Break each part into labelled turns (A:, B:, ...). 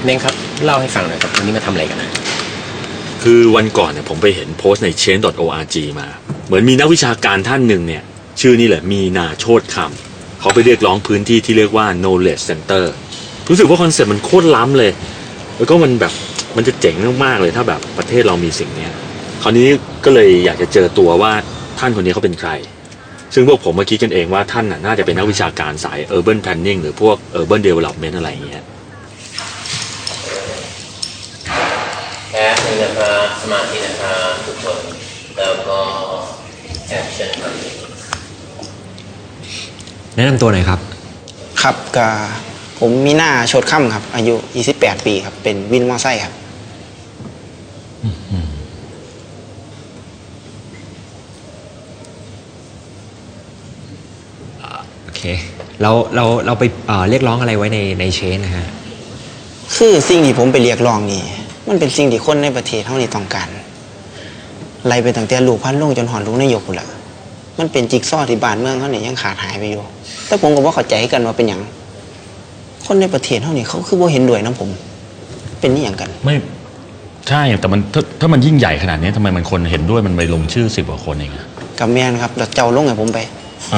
A: เน่งครับเล่าให้ฟังหน่อยครับวันนี้มาทำอะไรกันนะ
B: คือวันก่อนเนี่ยผมไปเห็นโพสต์ใน change.org มาเหมือนมีนักวิชาการท่านหนึ่งเนี่ยชื่อนี่แหละมีนาโชติคำเขาไปเรียกร้องพื้นที่ที่เรียกว่า knowledge center รู้สึกว่าคอนเซ็ปต์มันโคตรล้ำเลยแล้วก็มันแบบมันจะเจ๋งมากๆเลยถ้าแบบประเทศเรามีสิ่งเนี้ยคราวนี้ก็เลยอยากจะเจอตัวว่าท่านคนนี้เขาเป็นใครซึ่งพวกผมมาคิดกันเองว่าท่านน่าจะเป็นนักวิชาการสาย urban planning หรือพวก urban development อะไรอย่างเงี้ย
C: แป๊บนึงนะครับสมาธินะครับทุกคนแล้วก็แอคชั่นครับ
D: แนะนำตัวหน่อยครับ
E: ครับก็ผมมีหน้าโชดค่ำครับอายุ28 ปีครับเป็นวินมอไซค์ครับ
D: โอเคเราไปเรียกร้องอะไรไว้ในเชนนะฮะ
E: คือสิ่งที่ผมไปเรียกร้องนี่มันเป็นสิ่งที่คนในประเทศเท่านี้ต้องการไล่ไปตั้งแต่ลูกพันลงจนหอนลูกนายกพุ่นละมันเป็นจิ๊กซอว์ที่บ้านเมืองเขาเนี่ยยังขาดหายไปอยู่แต่ผมก็บ่เข้าใจกันว่าเป็นหยังคนในประเทศเท่านี้เขาคือบ่เห็นด้วยนะผมเป็นนี่อย่างกัน
B: ไม่ใช่แต่มันถ้ามันยิ่งใหญ่ขนาดนี้ทำไมมันคนเห็นด้วยมันไปลงชื่อ10 กว่าคนเองอะ
E: กับแมนครับแล้วเจ้าลงให้ผมไป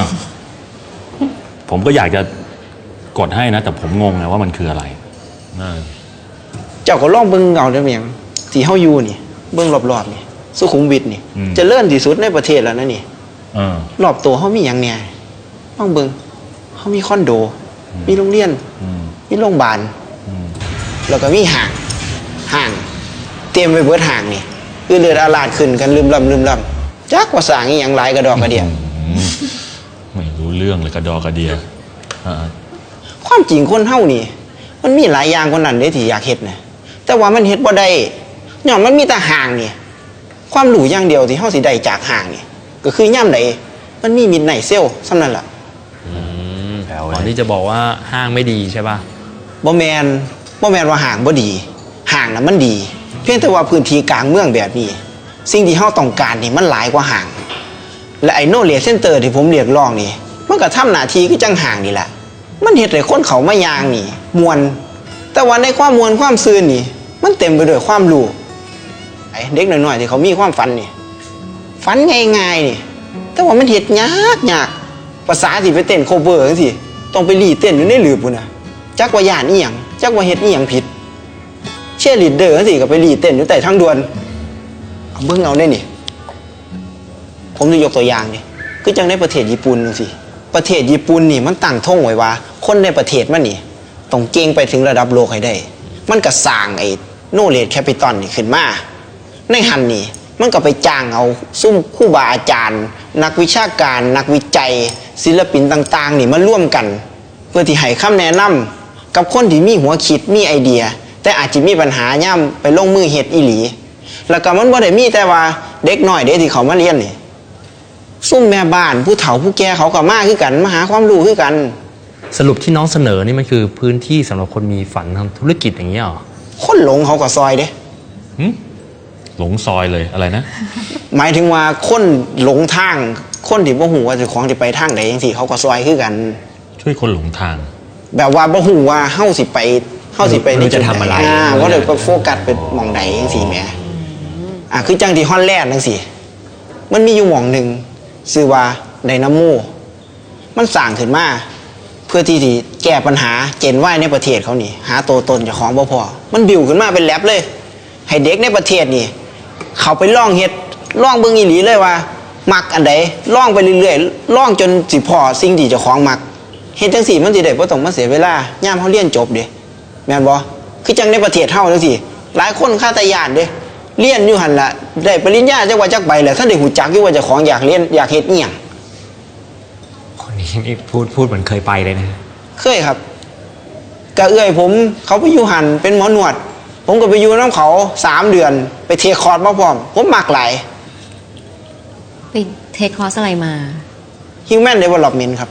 B: ผมก็อยากจะกดให้นะแต่ผมงงนะว่ามันคืออะไร
E: เจ้าก็ลองเบิ่งเอาเด้อแม่งที่เฮาอยู่นี่เบิ่งรอบๆนี่สุขุมวิทนี่เจริญที่สุดในประเทศแล้วนะนี่รอบตัวเฮามีหยังแหน่ลองเบิ่งเฮามีคอนโดมีโรงเรียนมีโรงพยาบาลแล้วก็มีห้างเตรียมไว้เบิดห้างนี่เลือดอาลาดขึ้นกันลืมลำจักว่าสร้างอีหยังหลายกระดอกกระเดีย
B: ไม่รู้เรื่องเลยกระดอกกระเดีย
E: ความจริงคนเฮานี่มันมีหลายอย่างคนนั้นเด้ที่อยากเฮ็ดนะแต่ว่ามันเฮ็ดบ่ได้ย้อนมันมีแต่ห้างนี่ความรู้อย่างเดียวที่เฮาสิได้จากห้างนี่ก็คือย่ำใดมันมีมิดไนท์เซลส่ำนั้นล่ะ
D: ก่อนที่จะบอกว่าห้างไม่ดีใช่ป่ะ
E: บ่แม่นว่าห้างบ่ดีห้างน่ะมันดีเพียงแต่ว่าพื้นที่กลางเมืองแบบนี้สิ่งที่เฮาต้องการนี่มันหลายกว่าห้างและไอ้ knowledge center ที่ผมเรียกร้องนี่มันก็ทำหน้าที่คือจังห้างนี่แหละมันเฮ็ดให้คนเขามายางนี่มวนแต่ว่าในความมวนความซื่นนี่มันเต็มไปด้วยความรู้ไอ้เด็กน้อยๆที่เขามีความฝันนี่ฝันง่ายๆนี่แต่ว่ามันเฮ็ดยากภาษาสิไปเต้นโคเวอร์จังซี่ต้องไปรีเต้นอยู่ในหลืบพุ่นน่ะจักว่าย่านอีหยังจักว่าเฮ็ดอีหยังผิดเชียร์ลีดเดอร์จังซี่ก็ไปรีเต้นอยู่ใต้ทางด่วนเอาเบิ่งเอาได้นี่ผมจะยกตัวอย่างนี่คือจังในประเทศญี่ปุ่นจังซี่ประเทศญี่ปุ่นนี่มันตั้งธงไว้ว่าคนในประเทศมันนี่ต้องเก่งไปถึงระดับโลกให้ได้มันก็สร้างไอ้โนเลจแคปิตอลนี่ขึ้นมาในหันนี่มันก็ไปจ้างเอาซุ่มครูบาอาจารย์นักวิชาการนักวิจัยศิลปินต่างๆนี่มาร่วมกันเพื่อที่ให้คำแนะนำกับคนที่มีหัวคิดมีไอเดียแต่อาจจะมีปัญหาย่ำไปลงมือเฮ็ดอีหลีแล้วก็มันบ่ได้มีแต่ว่าเด็กน้อยเด็กที่เขามาเรียนนี่ซุ่มแม่บ้านผู้เฒ่าผู้แก่เขาก็มาคือกันมาหาความรู้คือกัน
D: สรุปที่น้องเสนอนี่มันคือพื้นที่สำหรับคนมีฝันทำธุรกิจอย่างเงี้ยหรอ
E: คนหลงเขาก็ซอยเด้
B: หลงซอยเลยอะไรนะ
E: หมายถึงว่าคนหลงทางคนที่บ่ฮู้ว่าเจ้าของสิไปทางใดจังซี่เขาก็ซอยคือกัน
B: ช่วยคนหลงทาง
E: แบบว่าบ่ฮู้ว่าเฮาสิไป
D: นี่จะทำอะไร
E: ว่าเดี๋ยวก็โฟกัสไปหม่องใดจังซี่แหมคือจังที่ฮอลแลนด์จังซี่มันมีอยู่หม่องนึงชื่อว่าไดนาโมมันสร้างขึ้นมาเพื่อที่จะแก้ปัญหาเจนว่ายในประเทศเขานี่หาตัวตนเจ้าของบ่พอมันบิวขึ้นมาเป็นแลบเลยให้เด็กในประเทศนี่เขาไปลองเฮ็ดลองเบิ่งอีหลีเลยว่ามักอันใดลองไปเรื่อยๆลองจนสิพอสิ่งที่เจ้าของมักเฮ็ดจังซี่มันสิได้บ่ต้องมาเสียเวลายามเฮาเรียนจบเด้แม่นบ่คือจังในประเทศเฮาจังซี่หลายคนคาตาญาณเด้เรียนอยู่หั่นล่ะได้ปริญญาจักว่าจักใบแล้วท่านได้ฮู้จักอยู่ว่าเจ้าของอยากเรียนอยากเฮ็ดอีหยัง
D: คนนี้นี่พูดเหมือนเคยไปเลยนะ
E: เคยครับกะเอื้อยผมเขาไปอยู่หั่นเป็นหมอหนวดผมก็ไปอยู่น้ำเขา3 เดือนไปเทคอร์สมาพร้อมผมมักหลาย
F: ไปเทคอร์สอะไรมา
E: Human Development ครับ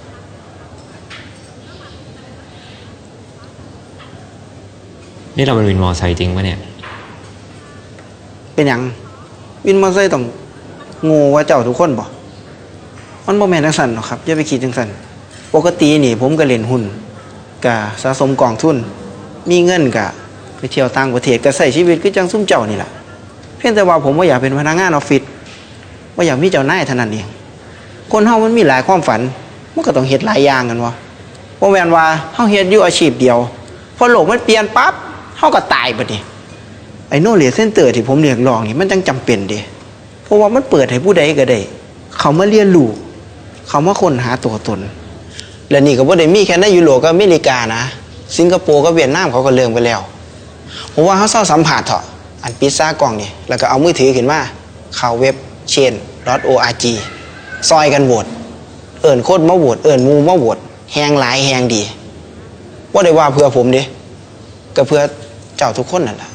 D: นี่เราเป็นวินมอไซค์จริงปะเนี่ย
E: เป็นหยังวินมอไซค์ต้องโง่ว่าเจ้าทุกคนบ่มันบ่แม่นจังซั่นหรอกครับอย่าไปคิดจังซั่นปกตินี่ผมก็เล่นหุ้นก็สะสมกองทุนมีเงินก็ไปเที่ยวต่างประเทศก็ใช้ชีวิตคือจังซุ่มเจ้านี่แหละเพียงแต่ว่าผมบ่อยากเป็นพนักงานออฟฟิศบ่อยากมีเจ้านายเท่านั้นเองคนเฮามันมีหลายความฝันมันก็ต้องเฮ็ดหลายอย่างกันวะบ่แม่นว่าเฮาเฮ็ดอยู่อาชีพเดียวพอโลกมันเปลี่ยนปั๊บเฮาก็ตายบัดนี้ไอ้ knowledge center ที่ผมเรียกร้องนี่มันจังจำเป็นเด้เพราะว่ามันเปิดให้ผู้ใดก็ได้เขามาเรียนรู้เขามาค้นหาตัวตนและนี่ก็บ่ได้มีแค่ในยุโรปกับอเมริกานะสิงคโปร์กับเวียดนามเขาก็เริ่มไปแล้วผมว่าเขาเศร้าสัมผัสเถอะอันปิดซ่ากล่องนี่แล้วก็เอามือถือขึ้นมาเข้าเว็บ chain.org ซอยกันโหวตเอิ้นคนมาโหวตเอิ้นหมู่มาโหวตแฮงหลายแฮงดีบ่ได้ว่าเพื่อผมเด้ก็เพื่อเจ้าทุกคนนั่นล่ะ